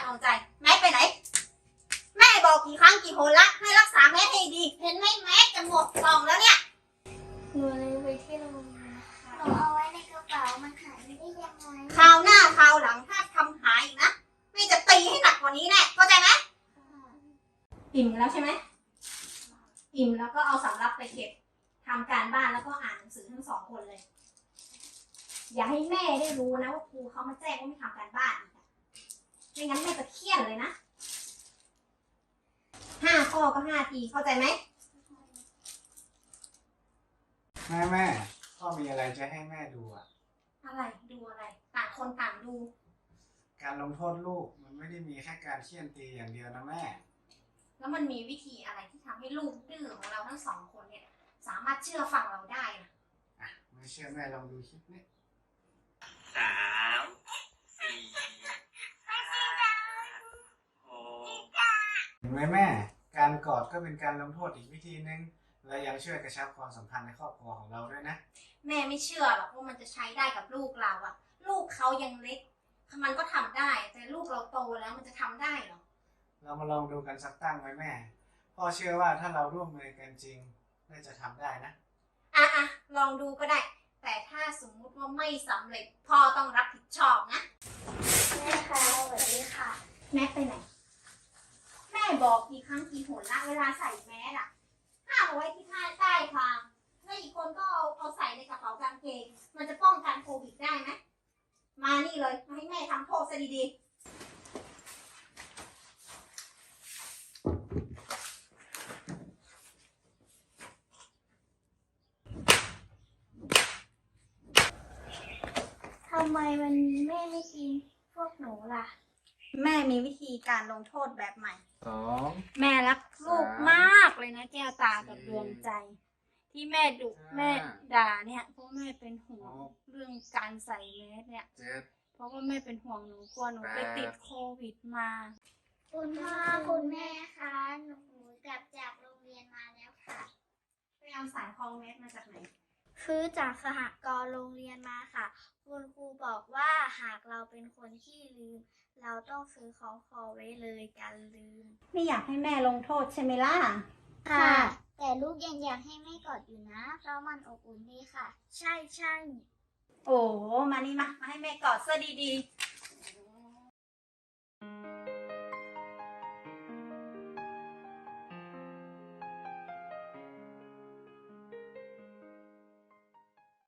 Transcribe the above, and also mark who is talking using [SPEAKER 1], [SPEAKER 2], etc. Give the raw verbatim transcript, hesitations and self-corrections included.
[SPEAKER 1] ดวงใจแม็กไปไหนแม่บอกกี่ครั้งกี่หนละให้รักษาแม็กให้ดีเห็นไหมแม็กจะหมดกล่องแล้วเนี่ย
[SPEAKER 2] หนูเลยไปที่โรงพยาบาลค่ะหนูเอาไว้ในกระเป๋ามันหายไปได้ยังไง
[SPEAKER 1] คราวหน้าคราวหลังถ้าทำหายอีกนะแม่จะตีให้หนักกว่านี้แน่เข้าใจไหมอิ่มแล้วใช่ไหมอิ่มแล้วก็เอาสำรับไปเก็บทำการบ้านแล้วก็อ่านหนังสือทั้งสองคนเลยอย่าให้แม่ได้รู้นะว่าครูเขามาแจ้งว่าไม่ทำการบ้านอีกไม่งั้นแม่จะเครียดเลยนะห้าข้อก็ห้าทีเข้าใจไหม
[SPEAKER 3] แม่แม่พ่อมีอะไรจะให้แม่ดูอ่ะ
[SPEAKER 1] อะไรดูอะไรต่างคนต่างดู
[SPEAKER 3] การลงโทษลูกมันไม่ได้มีแค่การเฆี่ยนตีอย่างเดียวนะแม่
[SPEAKER 1] แล้วมันมีวิธีอะไรที่ทำให้ลูกดื้อของเราทั้งสองคนเนี่ยสามารถเชื่อฟังเราได้นะ
[SPEAKER 3] อ่ะไม่เชื่อแม่ลองดูคลิปนี้
[SPEAKER 4] สามสี่หก
[SPEAKER 3] เห็นไหมแม่การกอดก็เป็นการลงโทษอีกวิธีนึงและยังช่วยกระชับความสัมพันธ์ในครอบครัวของเราด้วยนะ
[SPEAKER 1] แม่ไม่เชื่อหรอกว่ามันจะใช้ได้กับลูกเราอะลูกเขายังเล็กมันก็ทำได้แต่ลูกเราโตแล้วมันจะทำได้หรอ
[SPEAKER 3] เรามาลองดูกันสักตั้งไหมแม่พ่อเชื่อว่าถ้าเราร่วมมือกันจริงน่าจะทำได้นะ
[SPEAKER 1] อ่ะอ่ะลองดูก็ได้แต่ถ้าสมมุติว่าไม่สำเร็จพ่อต้องรับผิดชอบนะ
[SPEAKER 2] แม่คะสวัสดีค่ะ
[SPEAKER 1] แม่ไปไหนแม่บอกกี่ครั้งกี่หนละเวลาใส่แมสอะห้ามเอาไว้ที่ข้างใต้คางแล้วอีกคนก็เอาเอาใส่ในกระเป๋ากางเกงมันจะป้องกันโควิดได้ไหมมานี่เลยมาให้แม่ทำโทษซะดีๆ
[SPEAKER 2] ทำไมวันนี้แม่ไม่กินพวกหนูล่ะ
[SPEAKER 1] แม่มีวิธีการลงโทษแบบใหม่
[SPEAKER 3] สอง
[SPEAKER 1] แม่รักลูกมากเลยนะแก้วตากับดวงใจที่แม่ดุแม่ด่าเนี่ยเพราะแม่เป็นห่วงเรื่องการใส่แมสเนี่ยเพราะว่าแม่เป็นห่วงหนูกลัวหนูไปติดโควิดมา
[SPEAKER 2] คุณพ่อคุณแม่คะหนูกลับจากโรงเรียนมาแล้วค่ะ
[SPEAKER 1] ไปเอาสายคล้องแมสมาจากไหน
[SPEAKER 2] ซื้อจากสหกรณ์โรงเรียนมาค่ะคุณครูบอกว่าหากเราเป็นคนที่ลืมเราต้องซื้อของคอไว้เลยกันลืม
[SPEAKER 1] ไม่อยากให้แม่ลงโทษใช่ไหมล่ะ
[SPEAKER 2] ค่ะแต่ลูกยังอยากให้แม่กอดอยู่นะเพราะมันอบอุ่นดีค่ะใช่ใช่
[SPEAKER 1] โอ้มานี่มามาให้แม่กอดซะดีๆ